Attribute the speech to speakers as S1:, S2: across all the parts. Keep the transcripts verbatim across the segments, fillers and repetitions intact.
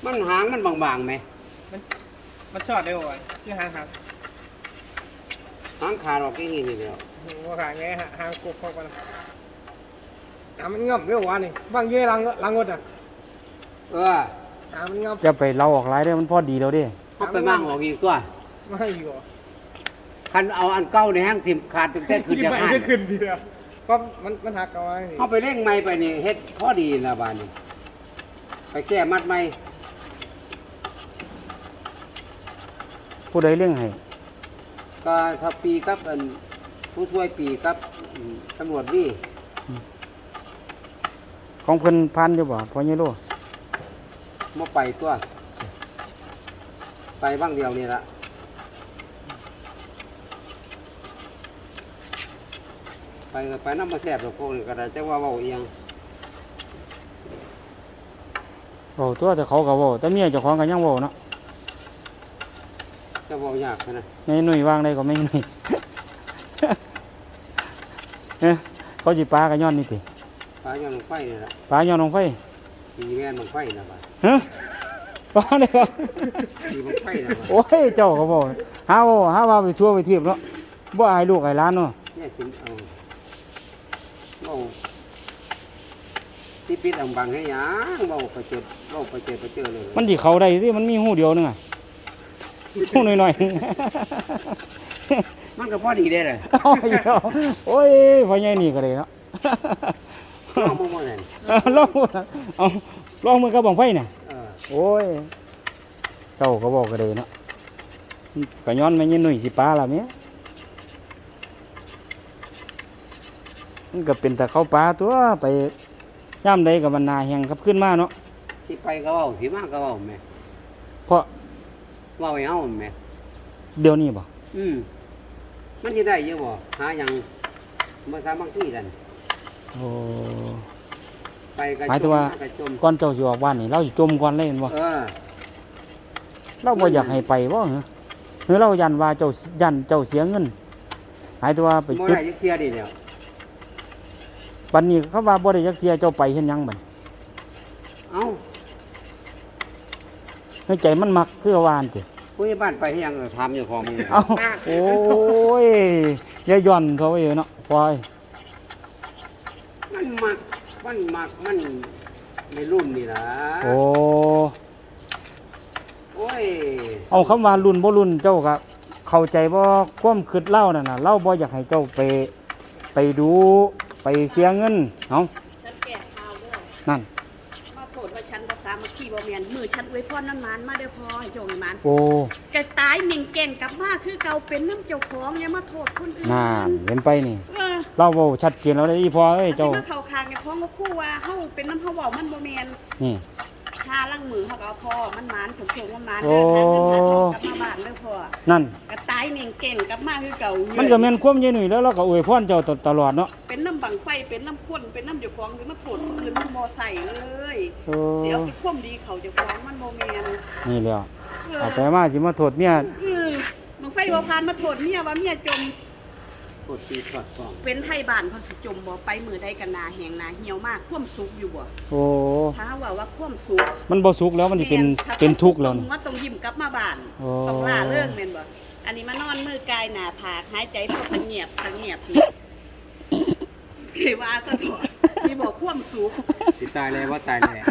S1: มันหางมันบางๆไหม
S2: มันมันชอดได้บ่คือหางหัก
S1: หางขาดออกที่นี่นี่เดียว
S2: ว่าขาไงฮะหางกบเข้าไปอ่ะมันงับเรื่องวะนี่บางเย่ลังลังงดอ่ะ
S1: เออ
S2: อ่ะมันงับ
S3: จะไปเล่าออกหลายเด้อมันพอดีแล้วเด้
S1: เขาไปมั่งออกอีกตัว
S2: ไม่อยู่
S1: คันเอาอันเก่าในห้างสิมขาดตั้งแต่ขึ้นจากห้าง
S2: ขึ้นดีแล้วก็มันมันหักเอาไว้
S1: เขาไปเร่งไม้ไปนี่เฮ็ดพอดีนะบ้านนี้ไปแก้มัดไม้
S3: ผู้ใดเลี้ยงให้
S1: ก็ทับปีกับอันผู้ช่วยปีกับตำรวจนี่
S3: ของเพิ่นพันอยู่บ่พ่อใหญ่โล
S1: มาไปตัวไปบ้างเดียวนี่ละไปก็ไปน้ำมาแสบหรอกพวกนี้ก็ได้แต่ว่าเบาเอียง
S3: เว้าตัวแต่เขาก็เว้าแต่เมียเจ้าของก็ยังเว้าเนาะ
S1: จะเบายากนะ
S3: ในหน่วยวางได้ก็ไม่หน่วยเอ้เขาสิปลาก็ย้อนนี่ติ
S1: ปลาย้อนลงไฟนี่ละ
S3: ปลาย้อนลงไฟ
S1: ตีแม่นลงไฟนะบ้าน
S3: ฮะปลาเนี่ยครับ
S1: ตีลงไฟนะบ้าน
S3: โอ้ยเจ้าก็บอกหาว่าหาว่าไปทั่วไปเทียบเนาะบ่อายลูกอายหลานเนาะ
S1: เนี่ยถึงเอาเบาที่ปิดอังบังให้ยังเบาไปเจอเบาไปเจอไปเจอเลย
S3: มันสิเข้าได้สิมันมีหูเดียวนึงอ่ะหูหน่อยๆ
S1: มันก็พอดีได้เลย
S3: โอ้ยพ่อใหญ่นี่ก็ได้เนาะ
S1: ลองมือเลย
S3: ลองเอาลองมือกับบังไฟน่ะโอ้ยเจ้าก็บอกก็ได้เนาะก็ย้อนแม่ยินหนุ่ยสิปลาล่ะแม่มันก็เป็นแต่เขาปลาตัวไปย่ำใดกับมันนาแห้งครับขึ้นมาเนาะ
S1: สิไปก็เว้าสิมาก็เว้าแม่
S3: เพราะ
S1: เว้าให้เฮาแม่
S3: เดี๋ยวนี้บ่
S1: อืมมันสิได้เยอะบ่หาหยังมาสามัคคีกัน
S3: โอ้
S1: ไปก็
S3: หมายถึงว่าก่อนเจ้าสิออกบ้านนี่เราสิจมก่อนเลยแม่นบ่
S1: เออ
S3: เราบ่อยากให้ไปบ่เหรอหรือเรายันว่าเจ้ายันเจ้าเสียเงินหมายถึงว่าไป
S1: จุดบ่ได้จักเที่ยดิแล้ว
S3: บัดนี้เขาว่าบ่ได้จักเที่ยเจ้าไปเฮ็ดหยังบัด
S1: เอ้า
S3: ในใจมันมักคือว่าอันติ
S1: ผู้ใหญ่บ้านไปเฮ็ดหยังถามเจ้าของมึง
S3: เอ้าโอ้ยอย่าย่อนเขาไว้เนาะปล่อย
S1: มันมักมันมักมันในรุ่นนี่ล่ะ
S3: โอ้
S1: โอ้ย
S3: เอาคำว่ารุ่นบ่รุ่นเจ้าก็เข้าใจบ่ความคิดเล่านั่นน่ะเราบ่อยากให้เจ้าไปไปดูไปเสียเงินเอ้า
S4: ฉันแก่ข่าวเด้อ
S3: นั่น
S4: มาโปรดว่าฉันบ่สามัคคีบ่แม่นมือฉันอวยพรนั้นมันมาเด้อพอให้โจงมัน
S3: โอ้
S4: แกตายเหม่งแก่นกลับมาคือเก่าเป็นน้ำเจ้าของอย่ามาโทษคนอื่น
S3: นั่นเห็นไปนี่
S4: เออ
S3: เราเว้าชัดเจนแล้วได้อีพอเอ้ยเจ้า
S4: มาเข้าข้างไอ้ของก็คู่ว่าเฮาเป็นน้ำเฮาเว้ามันบ่แม่น
S3: นี่
S4: หาลังมือเฮาก็เอาพอมันมันสมโชคมันมันเด้อทางเงินทางทองกลับมาบ้านเด้อพ่อ
S3: นั่น
S4: ก็ตายเหม่งแก่นกลับมาคือเก่า
S3: มันก็แม่นความใหญ่หนุ่ยแล้วเราก็อวยพรเจ้าตลอดเนาะ
S4: เป็นน้ำบังไฟเป็นน้ำข้นเป็นน้ำเจ้าของคือมาโทษคนอื่นมันบ่ใส่เลยเดี๋ยวสิความดีเขาเจ้าของมันบ่แม่น
S3: นี่แหละเอาไปมาสิมาโทษเมีย
S4: บังไฟบ่พานมาโทษเมียว่าเมียจม
S1: กดตีกดฟ้อง
S4: เป็นไทยบ้านเพิ่นสิจมบ่ไปมื้อใดกันนาแห้งนาเหี่ยวมากท่วมสุกอยู่บ่
S3: โอ้
S4: ถ้าว่าว่าท่วมสุก
S3: มันบ่สุกแล้วมันสิเป็นเป็นทุกข์แล้วนี่
S4: ว่าต้องยิ้มกลับมาบ้านต้องล่าเรื่องแม่นบ่อันนี้มานอนมือกายหน้าผากหายใจพอเงียบเงียบนี่คือว่าซะถอดสิบ่ท่วมสุก
S1: สิตายเลยว่าตายเลย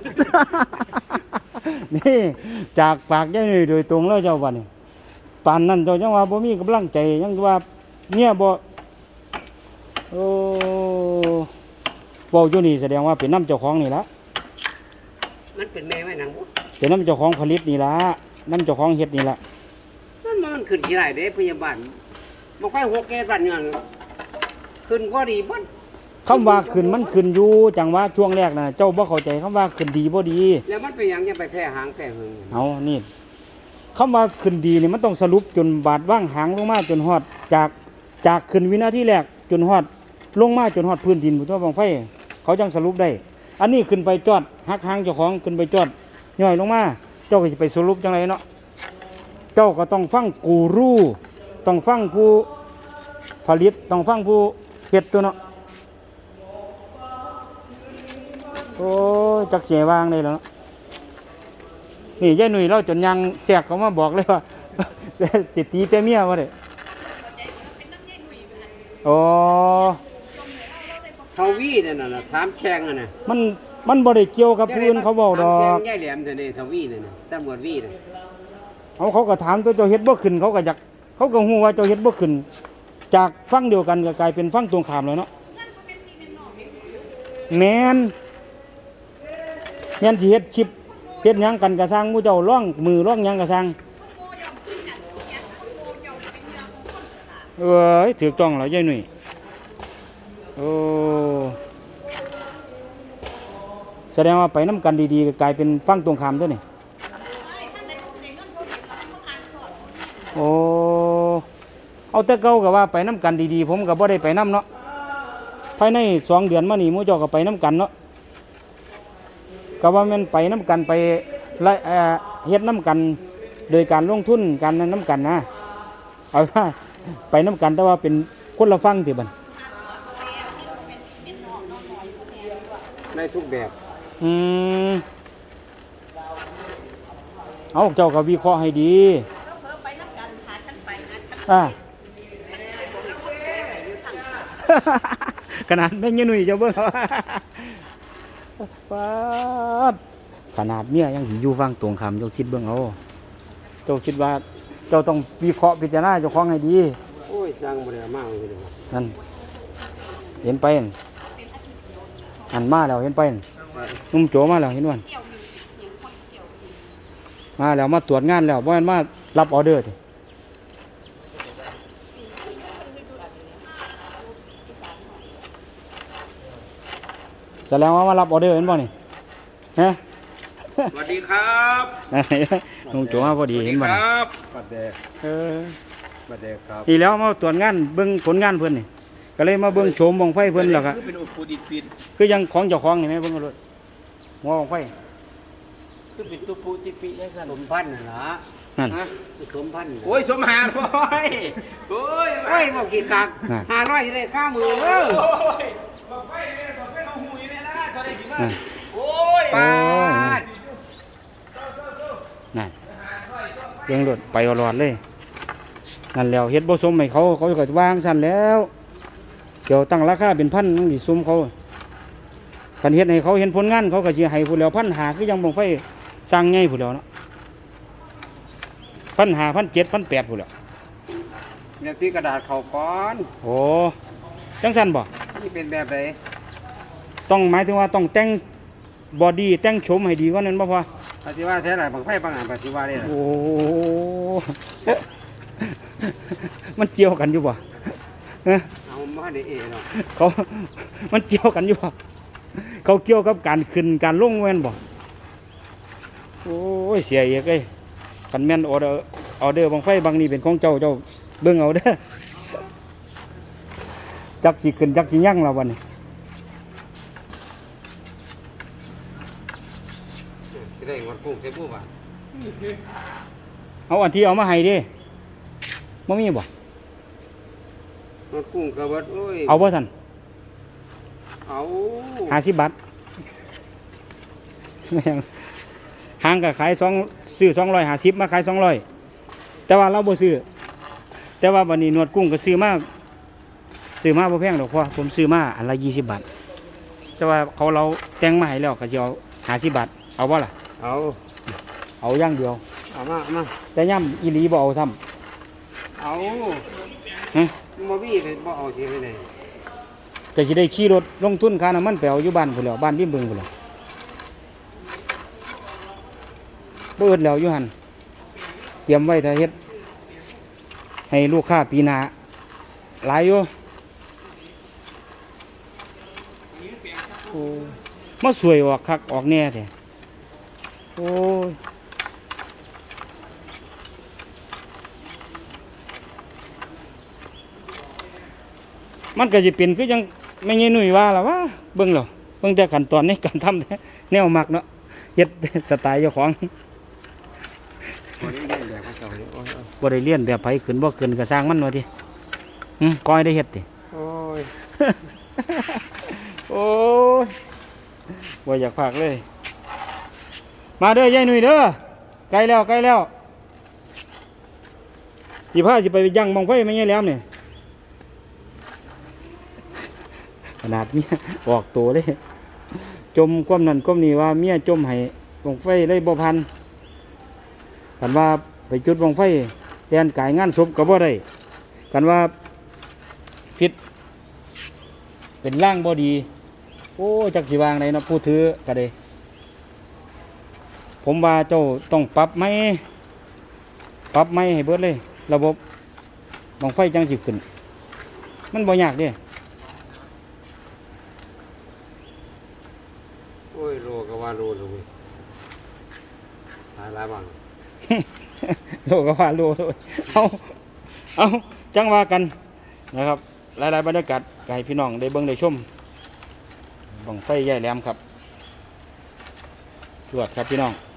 S3: นี่จากปากยายนี่โดยตรงแล้วเจ้าว่านี่ปานนั้นเจ้าจังว่าบ่มีกำลังใจยังว่าเนี่ยบ่โอ้บ่อยู่นี่แสดงว่าเป็นน้ำเจ้าของนี่ละ
S1: มันเป็นแม่ไว้หนังบ่
S3: เป็นน้ำเจ้าของผลิตนี่ละน้ำเจ้าของเฮ็ดนี่ละ
S1: มันมันขึ้นที่ไรเด้พยาบาลบ่ค่อยหกแก่บ้านเนี่ยขึ้นก็ดีบ่
S3: คำว่าขึ้นมันขึ้นอยู่จังว่าช่วงแรกน่ะเจ้าบ่เข้าใจคำว่าขึ้นดีบ่ดี
S1: แล้วมันเป็นหยังยังไปแพ้หางแพ้หึง
S3: เอานี่คำว่าขึ้นดีนี่มันต้องสรุปจนบาดว่างหางลงมาจนฮอดจากจากขึ้นวินาทีแรกจนฮอดลงมาจนฮอดพื้นดินผู้ทั่วบังไฟเขาจังสรุปได้อันนี้ขึ้นไปจอดหักหางเจ้าของขึ้นไปจอดย่อยลงมาเจ้าก็สิไปสรุปจังไรเนาะเจ้าก็ต้องฟังกูรูต้องฟังผู้ผลิตต้องฟังผู้เฮ็ดตัวเนาะโอ้จักเสียวางได้แล้วนี่ยายหนุ่ยเราจนยังแสกเขามาบอกเลยว่า จิตตีแต่เมียว่าเด้โอ้
S1: เฮาวีนั่นน่ะถามแข่งอ่ะน่ะ
S3: มันมันบ่ได้เกี่ยวกับผู้อื่นเขาเว้าดอ
S1: ถาม
S3: ก
S1: แข่งยายแหลมเท่านี้เฮาวีนั่นน่ะตำรวจวีน่ะ
S3: เขาเขาก็ถามตัวเจ้าเฮ็ดบ่ขึ้นเขาก็อยากเขาก็ฮู้ว่าเจ้าเฮ็ดบ่ขึ้น จากฟังเดียวกันก็กลายเป็นฟังตรงข้ามแล้วเนาะแม่นแม่นสิเฮ็ดคลิปเฮ็ดหยังกันก็สร้างหมู่เจ้าร้องมือร้องหยังก็สร้างเอ้ยถูกต้องแล้วยายหนุ่ยโอ้แสดงว่าไปน้ำกันดีๆก็กลายเป็นฟังตรงข้ามตัวนี่โอ้เอาแต่เก่าก็ว่าไปน้ำกันดีๆผมก็บ่ได้ไปน้ำเนาะภายในสองเดือนมานี่หมู่เจ้าก็ไปน้ำกันเนาะก็ว่ามันไปน้ำกันไปละเอ่อเฮ็ดน้ำกันโดยการลงทุนการนั้นน้ำกันนะเอาว่าไปน้ำกันแต่ว่าเป็นคนละฟังติบัด
S1: ในทุกแบบ
S3: อืมเอาเจ้าก็วิเคราะห์ให้ดีอ่า ขนาดแม่ยายหนุ่ยเจ้าเบิ่ง ป๊าดขนาดเมียยังสิอยู่ฟังตรงคำเจ้าคิดเบิ่งเอาเจ้าคิดว่าเจ้าต้องวิเคราะห์พิจารณาเจ้าของให้ดี
S1: โอ้ยสร้างบ่ได้มากเลยเด้อ
S3: นั่นเห็นไปนั่นอันมาแล้วเห็นไปนั่นนุ่มโจมาแล้วเห็นวันมาแล้วมาตรวจงานแล้วบ่แม่นมารับออเดอร์ติแสดงว่ามารับออเดอร์เห็นบ่นี่ฮะ
S2: สวัสดีครับ
S3: นุ่มโจมาพอดีเห็นบ่
S2: ค
S3: นี่
S2: รับ
S1: ปัดแดก
S3: เออ
S1: ปัดแดกครับ
S3: ทีแล้วมาตรวจงานเบิ่งผลงานเพิ่นนี่ก็เลยมาเบิ่งโฉมบังไฟเพิ่นแล้วก็
S2: เป็นอุปูดิดปิด
S3: คือยังของเจ้าของนี่แม่เบิ่งเอาเลยหัวบังไฟ
S2: คือเป็นตัวปูติปิยังสั่น
S1: สมพันธ์น่ะล่ะ
S3: นั่น
S2: ฮะ
S1: สมพันธ์
S2: โอ้ยสมหารโอ้ยโอ้ย
S1: โอ้ยบอกกี่กัก
S3: น่ะ
S1: ห้าร้อยได้ค่ามือเออ
S2: โอ้ยบอกไปเนี่ยบอกไปเอาหูอยู่เนี่ยนะเท่าไหร่สิมา
S3: นั่น
S2: โอ้ย
S1: ปาด
S3: นั่นเลี้ยงรถไปเอาหลอดเลยนั่นแล้วเฮ็ดบ่สมให้เขาเขาก็วางสั่นแล้วเกี่ยวตั้งราคาเป็นพันต้องสิสมเขาคันเฮ็ดให้เขาเห็นผลงานเขาก็สิให้ผู้แล้วพันหาคือยังบังไฟสร้างใหญ่ผู้แล้วเนาะพันหาพันเจ็ดพันแปดผู้แล้ว
S1: เดี๋ยวที่กระดาษเขาก่อน
S3: โอ้จังสั่นบ่
S1: นี่เป็นแบบไหน
S3: ต้องหมายถึงว่าต้องแต่งบอดี้แต่งโฉมให้ดีกว่านั้นบ่พอ
S1: ปฏิว่าใช้หลายบางไฟบางอันปฏิว่าได้ล่ะ
S3: โอ้ มันเกี่ยวกันอยู่บ่ฮะ
S1: เอามาได้เอเนาะ
S3: เขา มันเกี่ยวกันอยู่บ่เขาเกี่ยวกับการขึ้นการลงแม่นบ่โอ้ยเสียเอกเอ้ยคันแม่นออเดอร์ออเดอร์บางไฟบางนี่เป็นของเจ้าเจ้าเบิ่งเอาเด้อจักสิขึ้นจักสิยั่งแล้วบัดนี้
S1: สิได้งวดกุ้งใส่ผู้บ่า
S3: เอาอันที่เอามาให้เด้บ่มีบ่
S1: งวดกุ้งก็เบิดโอ้ย
S3: เอาบ่ซั่น
S1: เอา
S3: ห้าสิบบาทแม่งห้างก็ขายสองซื้อสองร้อยห้าสิบมาขายสองร้อยแต่ว่าเราบ่ซื้อแต่ว่าวันนี้หนวดกุ้งก็ซื้อมาซื้อมาบ่แพงดอกพ่อผมซื้อมาอันละยี่สิบบาทแต่ว่าเขาเราแต่งมาให้แล้วก็สิเอาห้าสิบบาทเอาบ่ล่ะ
S1: เอา
S3: เอาอย่างเดียว
S1: เอามาเอามา
S3: แต่ย่ำอีหลีบ่เอาซ้
S1: เอา
S3: ำฮะ
S1: บ่มีเลยบ่เอาสิไปไหน
S3: ก็สิได้ขี่รถลงทุนค่าน้ำมันไปเอาอยู่บ้านพุ่นแหล้วบ้านริมบึงพุ่นแหล้วบ่อึดแล้วอยู่หั่นเตรียมไว้ถ้าเฮ็ดให้ลูกค้าปีหน้าหลายอยู่โอ้มาสวยออกคักออกแน่แท้โอ้ยมันก็สิเป็นคือยังไม่ใช่หนุ่ยว่าล่ะว่าเบิ่งแล้วเบิ่งแต่ขั้นตอนในการทำแนวมักเนาะเฮ็ดสไตล์เจ้าของ
S1: บ่ได้เรียนแบบเขาเจ้านี่โอ้ย
S3: บ่ได้เรียนแบบไผขึ้นบ่ขึ้นก็สร้างมันว่าติหึก้อยได้เฮ็ดติ
S1: โอ้ย
S3: โอ้ยบ่อยากพากเลย มาเด้อยายหนุ่ยเด้อใกล้แล้วใกล้แล้วสิพาสิไปยั่งบังไฟไม่ใช่แล้วเนี่ยขนาดเมียออกตัวเลยจมก้มนั่นก้มนี่ว่าเมียจมให้บังไฟเลยบ่พันกันว่าไปจุดบังไฟแทนกายงานศพก็บ่ได้กันว่าพิษเป็นร่างบ่ดีโอ้จักสิวางไหนเนาะผู้ถือก็ได้ผมว่าเจ้าต้องปรับไหมปรับไหมให้เบิดเลยระบบบังไฟจังสิขึ้นมันบ่ยากเด้
S1: โอ้ยโลก็ว่าโลเลยหลายหลายบาง
S3: โลก็ว่าโลเลยเอาเอาจังว่ากันนะครับหลายๆบรรยากาศให้พี่น้องได้เบิ่งได้ชมบังไฟใหญ่แหลมครับจวดครับพี่น้อง